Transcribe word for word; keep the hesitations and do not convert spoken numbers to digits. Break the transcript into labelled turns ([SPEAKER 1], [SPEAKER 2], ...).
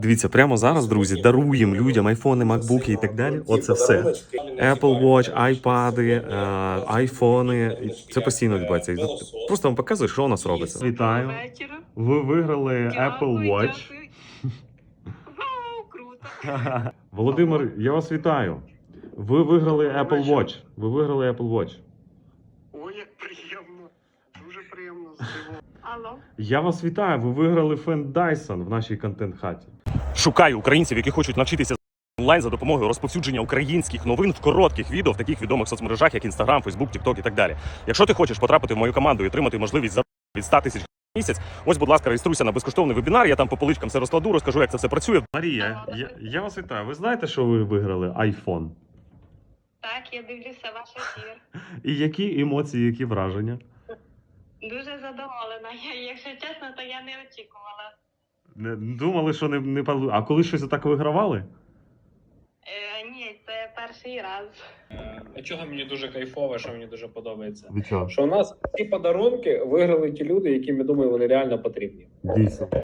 [SPEAKER 1] Дивіться, прямо зараз, друзі, даруємо людям айфони, макбуки і так далі. Оце все. Apple Watch, айпади, айфони. Це постійно відбувається. Просто вам показую, що у нас робиться. Вітаю. Ви виграли Apple Watch.
[SPEAKER 2] Вау, круто.
[SPEAKER 1] Володимир, я вас вітаю. Ви виграли Apple Watch. Ви виграли Apple Watch.
[SPEAKER 3] Ой, як приємно. Дуже приємно здивовано.
[SPEAKER 2] Алло.
[SPEAKER 1] Я вас вітаю. Ви виграли фен Dyson в нашій контент-хаті. Шукаю українців, які хочуть навчитися онлайн за допомогою розповсюдження українських новин в коротких відео в таких відомих соцмережах, як Instagram, Facebook, TikTok і так далі. Якщо ти хочеш потрапити в мою команду і отримати можливість заробити від ста тисяч в місяць, ось, будь ласка, реєструйся на безкоштовний вебінар, я там по поличкам все розкладу, розкажу, як це все працює. Марія, я, я вас вітаю. Ви знаєте, що ви виграли iPhone?
[SPEAKER 2] Так, я дивлюся ваш ефір.
[SPEAKER 1] І які емоції, які враження?
[SPEAKER 2] Дуже задоволена. Я, якщо чесно, то я не очікувала.
[SPEAKER 1] Не думали, що не, не пал- А коли щось отак вигравали?
[SPEAKER 2] Е, ні, це перший раз.
[SPEAKER 4] А чого мені дуже кайфово, що мені дуже подобається?
[SPEAKER 1] Від чого?
[SPEAKER 4] Що у нас ці подарунки виграли ті люди, яким, я думаю, вони реально потрібні.
[SPEAKER 1] Дійсно.